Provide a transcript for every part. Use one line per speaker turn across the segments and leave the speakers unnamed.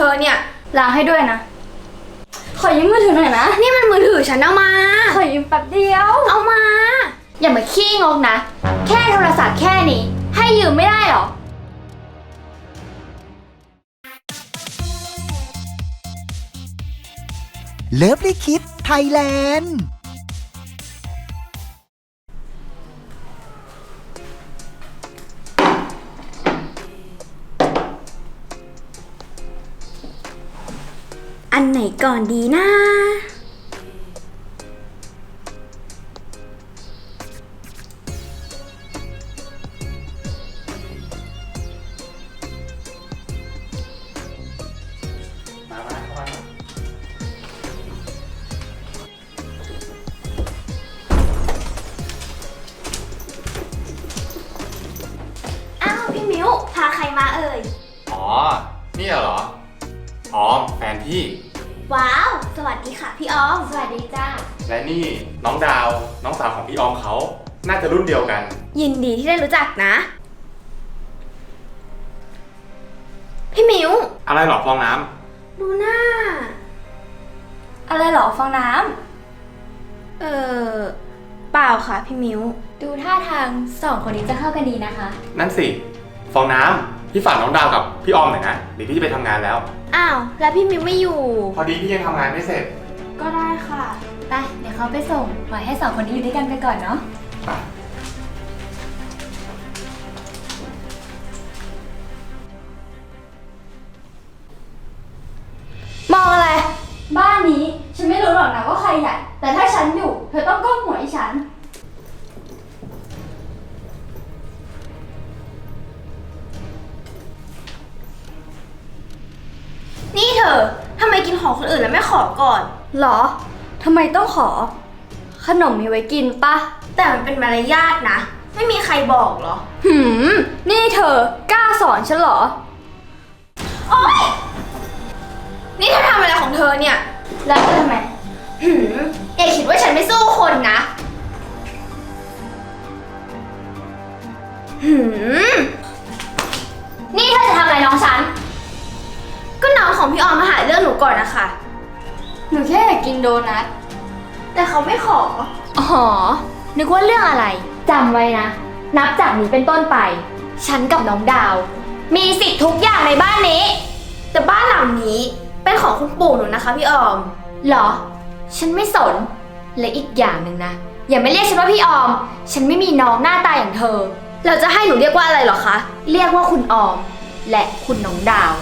ธอเนี่ย
ล้างให้ด้วยนะขอยืมมือถือหน่อยนะ
นี่มันมือถือฉันเอามา
ขอยืมแป๊บเดียว
เอามา
อย่ามาขี้งกนะแค่โทรศัพท์แค่นี้ให้ยืมไม่ได้หรอ
เลิฟลิคิดไทยแลนด์
อันไหนก่อนดีนะอ้าวพี่มิ้วพาใครมาเอ่ย
อ๋อนี่เหรอออมแฟนพี่
ว้าวสวัสดีค่ะพี่ออม
สวัสดีจ้า
และนี่น้องดาวน้องสาวของพี่ออมเขาน่าจะรุ่นเดียวกัน
ยินดีที่ได้รู้จักนะพี่มิ้ว
อะไรหรอฟองน้
ำดูหน้า
อะไรหรอฟองน้
ำเปล่าค่ะพี่มิ้ว
ดูท่าทางสองคนนี้จะเข้ากันดีนะคะ
นั่นสิฟองน้ำพี่ฝากน้องดาวกับพี่ออมหน่อยนะเดี๋ยวพี่จะไปทำงานแล้ว
อ้าวแล้วพี่มิ้วไม่อยู่
พอดีพี่ยังทำงานไม่เสร็จ
ก็ได้ค่ะ
ไปเดี๋ยวเขาไปส่งปล่อยให้สองคนนี้อยู่ด้วยกันไปก่อนเนาะ
มองอะไร
บ้านนี้ฉันไม่รู้หรอกนะว่าใครใหญ่แต่ถ้าฉันอยู่เธอต้องก้มหัวให้ฉัน
นี่เธอทำไมกินของคนอื่นแล้วไม่ขอก่อน
หรอทำไมต้องขอขนมมีไว้กินปะ
แต่มันเป็นมารยาทนะไม่มีใครบอกหรอ
นี่เธอกล้าสอนฉันเหรอ
โอ๊ยนี่เธอทำอะไรของเธอเนี่ย
แล้วทำไม
อย่าคิดว่าฉันไม่สู้คนนะ
นี่เธอจะทำอะไรน้องฉัน
ก็น้องของพี่ออมมาหาเรื่องหนูก่อนนะคะ
หนูแค่อยากกินโดนัท
แต่เขาไม่ขอ
อ๋อนึกว่าเรื่องอะไรจำไว้นะนับจากนี้เป็นต้นไปฉันกับน้องดาวมีสิทธิ์ทุกอย่างในบ้านนี้
แต่บ้านหลังนี้เป็นของคุณปู่หนูนะคะพี่ออม
เหรอฉันไม่สนและอีกอย่างหนึ่งนะอย่าไม่เรียกฉันว่าพี่ออมฉันไม่มีน้องหน้าตาอย่างเธอ
เราจะให้หนูเรียกว่าอะไรหรอคะ
เรียกว่าคุณออมและคุณน้องดาว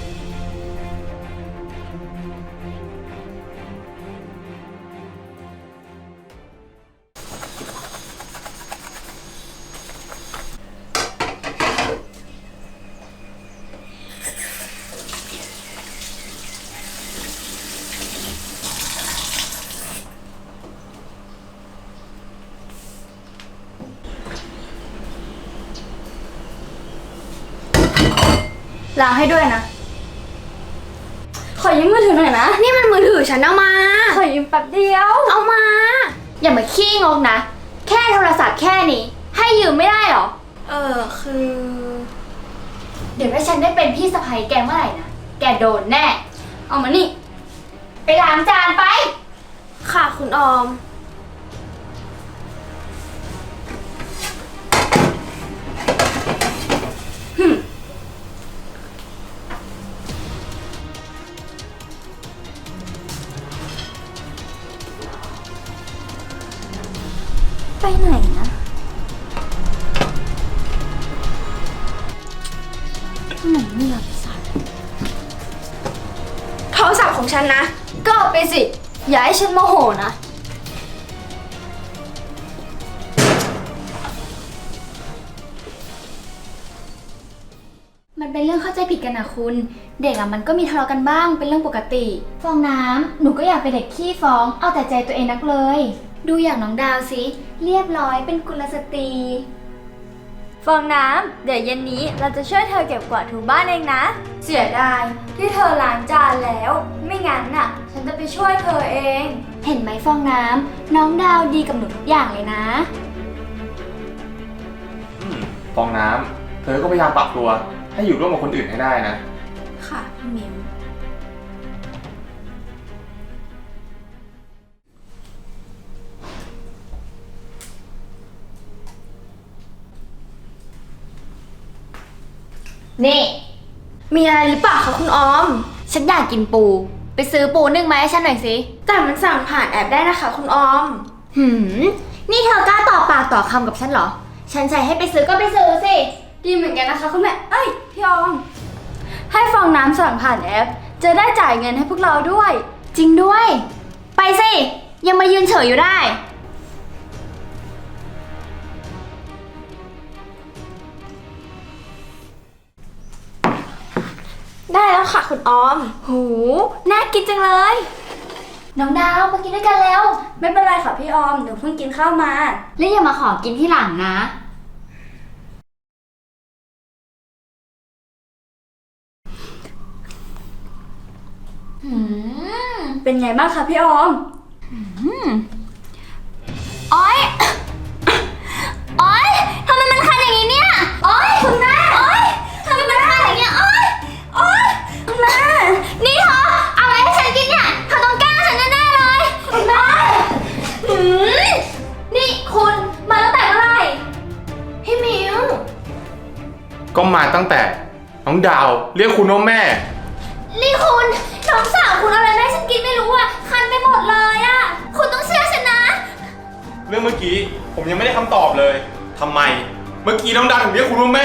ล้างให้ด้วยนะขอยืมมือถือหน่อยนะ
นี่มันมือถือฉันเอามา
ขอยืมแป๊บเดียว
เอามา
อย่ามาขี้งกนะแค่โทรศัพท์แค่นี้ให้ยืมไม่ได้หรอ
คือ
เดี๋ยวถ้าฉันได้เป็นพี่สะใภ้แกเมื่อไหร่นะแกโดนแน่เอามานี่ไปล้างจานไป
ค่ะคุณออม
ไปไหนนะไหนไม่รับสาย
โทรศัพท์ของฉันนะ
ก็เอาไปสิอย่าให้ฉันโมโหนะมันเป็นเรื่องเข้าใจผิดกันนะคุณเด็กมันก็มีทะเลาะกันบ้างเป็นเรื่องปกติฟองน้ำหนูก็อยากเป็นเด็กขี้ฟ้องเอาแต่ใจตัวเองนักเลยดูอย่างน้องดาวสิเรียบร้อยเป็นกุลสตรีฟองน้ำเดี๋ยวเย็นนี้เราจะช่วยเธอเก็บกวาดถูบ้านเองนะเสียดายที่เธอล้างจานแล้วไม่งั้นน่ะฉันจะไปช่วยเธอเองเห็นไหมฟองน้ำน้องดาวดีกับหนูทุกอย่างเลยนะ
ฟองน้ำเธอก็พยายามปรับตัวให้อยู่ร่วมกับคนอื่นให้ได้นะ
ค่ะพี่มิ้ว
นี่
มีอะไรหรือเปล่าคะคุณออม
ฉันอยากกินปู ไปซื้อปูนึ่งมาให้ฉันหน่อยสิ
แต่มันสั่งผ่านแอปได้นะคะคุณออม
นี่เธอกล้าต่อปากต่อคำกับฉันเหรอ ฉันใช้ให้ไปซื้อก็ไปซื้อสิ
ดีเหมือนกันนะคะคุณแม่ เอ้ยพี่ออม ให้ฟองน้ำสั่งผ่านแอป จะได้จ่ายเงินให้พวกเราด้วย
จริงด้วย ไปสิ ยังมายืนเฉยอยู่ได้
ได้แล้วค่ะคุณออม
หูน่ากินจังเลย น้องดาวมากินด้วยกันแล้ว
ไม่เป็นไรค่ะพี่ออม เดี๋ยวเพิ่งกินข้าวมา
แล้วอย่ามาขอกินที่หลังนะ
เป็นไงบ้างคะพี่ออม
โอ๊ย โอ๊ย ทำไมมันคันอย่างนี้เนี่ย โอ๊ย คุณแม่ โอ๊ย ทำไมมันคันอย่างเงี้ย โอ๊ย โอ๊ย คุณแม่ นี่เธอเอาอะไรให้ฉันกินเนี่ยเธอต้องแกล้งฉันแน่ๆเลย คุณแม่นี่คุณมาตั้งแต่เมื่อไหร่
พี่มิว
ก็มาตั้งแต่น้องดาวเรียกคุณว่าแม่
นี่คุณน้องสาวคุณเอาอะไรมาให้ฉันกินไม่รู้อ่ะ คันไปหมดเลยอ่ะ คุณต้องเชื่อฉันนะ
เรื่องเมื่อกี้ผมยังไม่ได้คำตอบเลยทำไม เมื่อกี้น้องดาวถึงเรียกคุณว่าแม่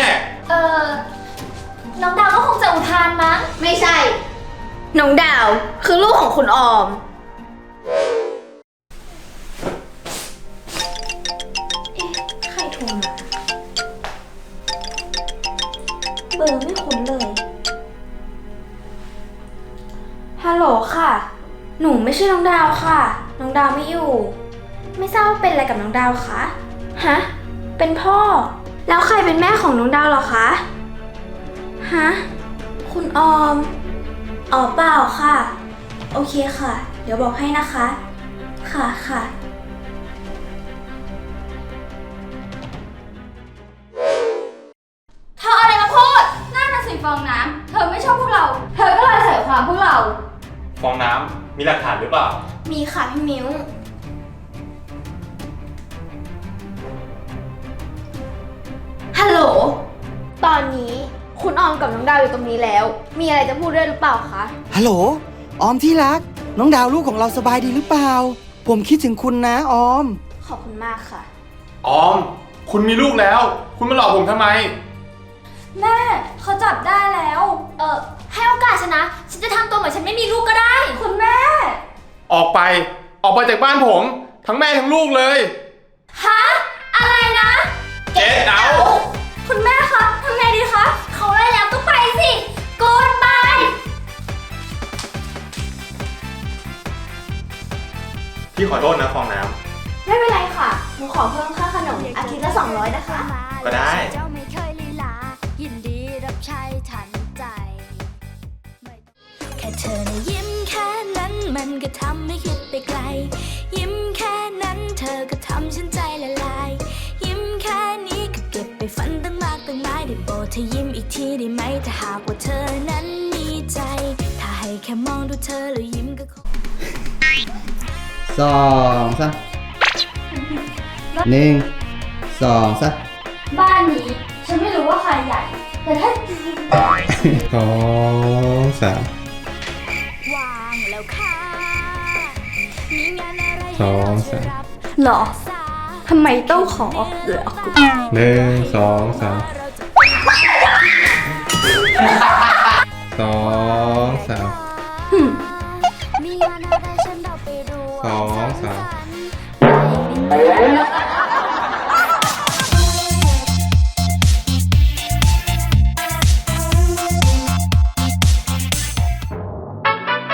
น้องดาวก็คงจะอุทานมั้ง
ไม่ใช่ น้องดาวคือลูกของคุณออม ใครโทรมา เบอร์ไม่คุ้นเลย ฮัลโหลค่ะ หนูไม่ใช่น้องดาวค่ะ น้องดาวไม่อยู่ ไม่ทราบว่าเป็นอะไรกับน้องดาวคะ ฮะ เป็นพ่อ แล้วใครเป็นแม่ของน้องดาวเหรอคะ ฮะ คุณออม อ๋อเปล่าค่ะ โอเคค่ะ เดี๋ยวบอกให้นะคะ ค่ะค่ะ
เธออะไรมาพูดน่าจะสิฟองน้ำ เธอไม่ชอบพวกเรา เธอก็เลยใส่ความพวกเรา
ฟองน้ำมีหลักฐานหรือเปล่า
มีค่ะพี่มิ้ว ฮัลโหล ตอนนี้คุณออมกับน้องดาวอยู่ตรงนี้แล้ว มีอะไรจะพูดด้วยหรือเปล่าคะ
ฮัลโหล ออมที่รัก น้องดาวลูกของเราสบายดีหรือเปล่า ผมคิดถึงคุณนะออม
ขอบคุณมากค่ะ
ออม คุณมีลูกแล้ว คุณมาหลอกผมทำไม
แม่เขาจับได้แล้ว
ให้โอกาสฉันนะ ฉันจะทำตัวเหมือนฉันไม่มีลูกก็ได้
คุณแม่
ออกไปจากบ้านผม ทั้งแม่ทั้งลูกเลย
ฮะ อะไรนะ
เจ๊เอา
คุณแม่คะทำไงดีคะ
เขาไล่แล้วก็ไปสิกูดบาย
พี่ขอโทษนะฟองน้
ไม่เป็นไรค่ะ หนูขอเพิ่มค่าขนมอาทิตย์ละ200นะคะ
ำก็ได้
เจ้าไม่เคยลีลา ยินดีรับใช้ทันใจ แค่เธอนะยิ้มแค่นั้นมันก็ทำให้คิดไปไกล ยิ้มแค่นั้นเธอก็ทำฉันใจละลาย ยิ้มแค่นี้ก็เก็บไปฝันตั้งมากตั้งหลายได้โปรดเธอยิ้มอีกทีได้ไหมถ้าหากว่าเธอนั้นมีใจ ถ้าให้แค่มองดูเธอแล้วยิ้มก็คง
2 3 1 2 3
บ้านนี้ฉันไม่รู้ว่าใครใหญ่ แต่ถ้า
2 3
วางแล้วค่ะมีงานอะไร
สองสาม
หรอ ทำไมต้องขอเหรอ
1 2 3 2 3
มีงานอะไรฉันเราไปดู
2 3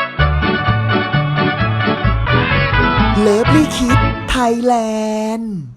เลิฟลี่คิดไทยแลนด์